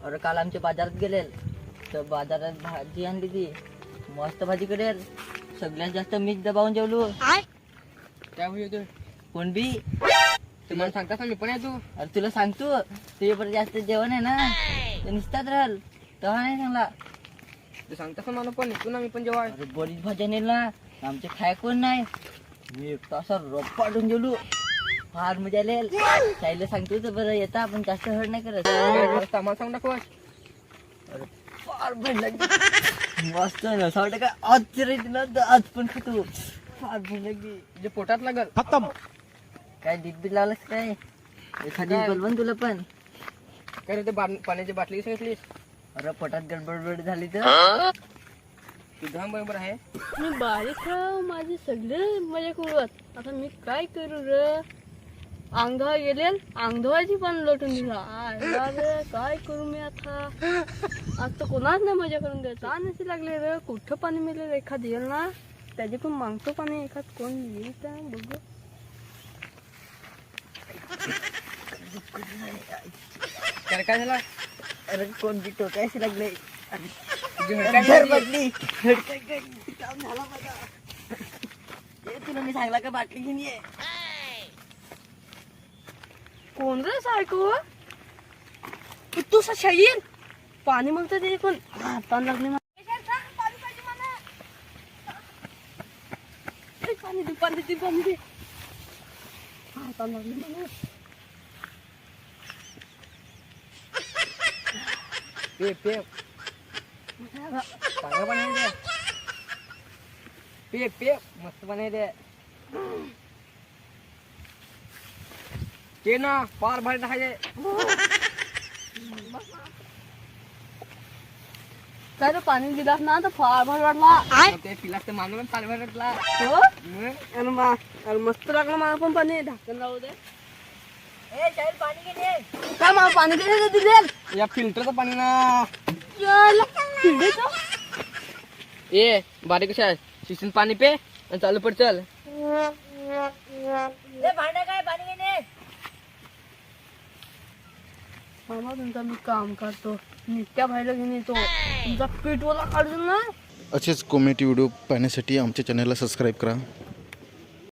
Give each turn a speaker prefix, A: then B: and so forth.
A: अरे काल आमच्या बाजारात गेले तर बाजारात भाजी आणली ती मस्त भाजी करेल. सगळ्यात जास्त मीच दबावून जेवलो.
B: काय होईल
A: कोण बी
B: तुम्हाला सांगता मी पण येतो.
A: अरे तुला सांगतो तुझ्या पण जास्त जेवण आहे ना ते निसतात राहल तेव्हा नाही सांगला.
B: तू सांगता मला पण येतो ना मी पण जेव्हा.
A: अरे बरीच भाज्या नेल ना आमचे खाय कोण नाही. मी एकटा असा रप्पाटून जेवलो. फार मजा आली. साईला सांगतो तर बरं येता आपण जास्त हड नाही करत.
B: आम्हाला सांग दाखव.
A: अरे फार भूक लागली मस्त नसा वाटत का आज तिला आज पण खातो. फार भूक लागली
B: जे पोटात लागल
C: खत्म.
A: काय डीप बी लावलंस काय एखादी बोलवून तुला पण.
B: काय रे ते पाण्याची बाटली सांगितलीस.
A: अरे पोटात गडबड झाली तर
B: तुझा बरोबर आहे.
D: मी बारीक माझे सगळे मजा करूत. आता मी काय करू रे. अंगधवा गेले अंगधवाची पण लोटून दिला. रे काय करू मी आता. आज तर कोणाच नाही मजा करून द्यायचा. नसे लागले रे कुठं पाणी मिळेल एखाद येईल ना त्याचे पण मागतो पाणी एखाद कोण येईल तर बघू.
B: काय झाला.
A: अरे कोण बी टोकायशी लागले.
B: तुझी हडकाय
A: बदली काम झाला माझा. तुला मी सांगला का बाटली घेऊन ये.
D: कोण रे सायको तू येईल पाणी मागतो ते कोण. हातान लागले पाणी दे पाणी दे पाणी दे. हातान लागले मला.
B: पे पे चांगलं पाणी दे. पे पे मस्त पाणी दे. ते ना पार भारी टाकायचे.
D: काय रे पाणी दिलास ना तर फार भारी वाटला.
B: ते पिलास तर मानून पाणी भारी वाटला.
D: हो अरे मस्त लागलं मला पण पाणी. ढाकण राहू दे.
A: पाणी घेऊन ये.
D: काय मला पाणी किती दिले.
B: या फिल्टरचं पाणी ना. ए बारीक कशा आहे शिसून पाणी पे आणि चालू पड चल.
A: भांडा काय पाणी घेऊन ये.
D: मामा तुमचा मी काम करतो. नित्या बाहेर घेऊन येतो. तुमचा पीठ ओला काढून ना.
C: असेच कॉमेडी व्हिडिओ पाहण्यासाठी आमच्या चॅनलला सबस्क्राईब करा.